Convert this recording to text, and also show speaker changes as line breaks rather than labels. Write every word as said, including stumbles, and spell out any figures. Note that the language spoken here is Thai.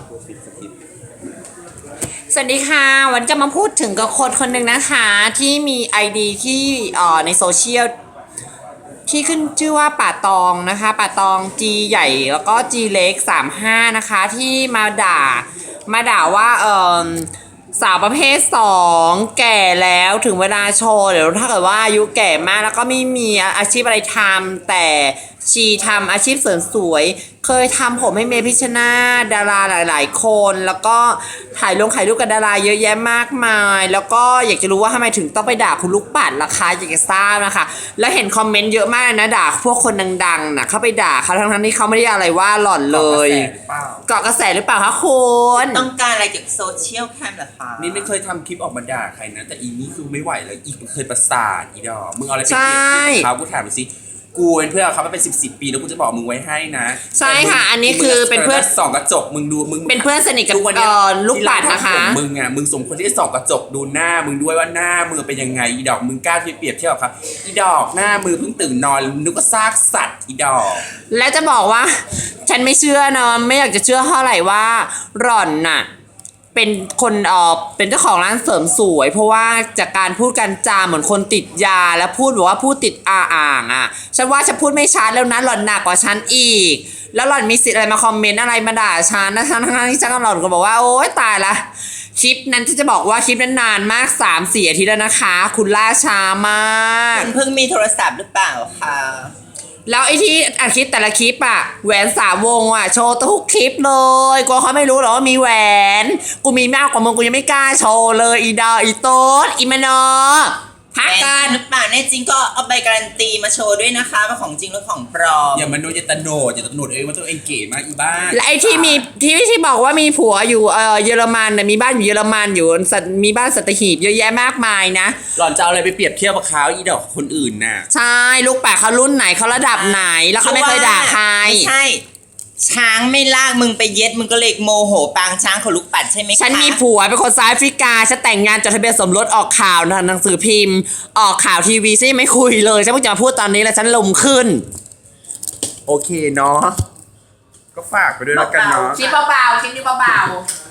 สวัสดีค่ะวันจะมาพูดถึงกับคนคนหนึ่งนะคะที่มี ไอ ดี ที่เอ่อในโซเชียลที่ขึ้นชื่อว่าป่าตองนะคะป่าตอง G ใหญ่แล้วก็ G เล็กสามสิบห้านะคะที่มาด่ามาด่าว่าเอ่อสาวประเภทสองแก่แล้วถึงเวลาโชว์เดี๋ยวถ้าเกิดว่าอายุแก่มากแล้วก็ไม่มีอาชีพอะไรทำแต่ชีทำอาชีพเสริมสวยเคยทำผมให้เมพิชชนาธิ์ดาราหลายๆคนแล้วก็ถ่ายลงถ่ายรูปกับดาราเยอะแยะมากมายแล้วก็อยากจะรู้ว่าทำไมถึงต้องไปด่าคุณลูกปัดล่ะคะอยากจะทราบนะคะแล้วเห็นคอมเมนต์เยอะมากนะด่าพวกคนดังๆนะเข้าไปด่าเขาทั้งๆที่เขาไม่ได้อะไรว่าหล่อนเลยเกาะกระแสหรือเปล่าคะคุณ
ต้องการอะไรจากโซเชียลแคมเหรอคะ
นี่ไม่เคยทำคลิปออกมาด่าใครนะแต่อีนี่คือไม่ไหวเลยอีกมันเคยประสาทอีดอกมึงเอาอะไรไปเปรียบเทียบกับเขากูถามไปสิกูเป็นเพื่อนเขามาเป็นสิบสิบปีแล้วกูจะบอกมึงไว้ให้นะ
ใช่ค่ะอันนี้คือเป็นเพื่อน
ส่องกระจกมึงดูมึง
เป็นเพื่อนสนิทกับเอ่อลูกปัดนะคะ
มึงอ่ะมึงสมควรที่จะส่องกระจกดูหน้ามึงด้วยว่าหน้ามึงเป็นยังไงอีดอกมึงกล้าที่เปรียบเทียบกับเขาอีดอกหน้ามือเพิ่งตื่นนอนนึกว่าซากสัตว์อีดอก
และจะบอกว่าฉันไม่เชื่อเนาะไม่อยากจะเชื่อเท่าไหร่ว่าหล่อนน่ะเป็นคนเอ่อเป็นเจ้าของร้านเสริมสวยเพราะว่าจากการพูดกันจาเหมือนคนติดยาแล้วพูดบอกว่าพูดติดอาอ่างอ่ะฉันว่าฉันพูดไม่ชัดแล้วนะหล่อนหนักกว่าฉันอีกแล้วหล่อนมีสิทธิ์อะไรมาคอมเมนต์อะไรมาด่าฉันนะทั้งๆที่ฉันกับหล่อนก็บอกว่าโอ๊ยตายละคลิปนั้นที่จะบอกว่าคลิปนั้นนานมาก สามสี่ อาทิตย์แล้วนะคะคุณล่าช้ามาก
คุณเพิ่งมีโทรศัพท์หรือเปล่าคะ
แล้วไอ้ที่อัดคลิปแต่ละคลิปอะแหวนสามวงอะโชว์ทุกคลิปเลยกลัวเขาไม่รู้หรอว่ามีแหวนกูมีมากกว่ามึงกูยังไม่กล้าโชว์เลยอีดาอีโต๊ดอีมานอพักกัน
หรือเปล่าแน่จริงก็เอาใบการันตีมาโชว์ด้วยนะคะว่าของจริงหรือของปลอม
อย่ามันโนอย่าตะโนดอย่าตะโนดเองว่าตัวเองเก๋มากอีบ้า
และไอ้ที่มีที่ที่บอกว่ามีผัวอยู่เออเยอรมันน่ะมีบ้านอยู่เยอรมันอยู่มีบ้านสัตหีบเยอะแยะมากมายนะ
หล่อนจะเอาอะไรไปเปรียบเทียบกับเขาอีดอกคนอื่นน่ะ
ใช่ลูกป่าเขารุ่นไหนเขาระดับไหนแล้วเขาไม่เคยด่าใคร
ไม่ใช่ช้างไม่ลากมึงไปเย็ดมึงก็เลยโมโหปางช้างของลูกปัดใช่ไหมคะ
ฉันมีผัวเป็นคนซาแอฟริกาฉันแต่งงานจดทะเบียนสมรสออกข่าวหนังสือพิมพ์ออกข่าวทีวีฉันยังไม่คุยเลยฉันเพิ่งจะมาพูดตอนนี้แล้วฉันลมขึ้น
โอเคเนาะก็ฝากไปด้วยแล้วกันเนาะ
คลิปเบาๆคลิปนี้เบาๆ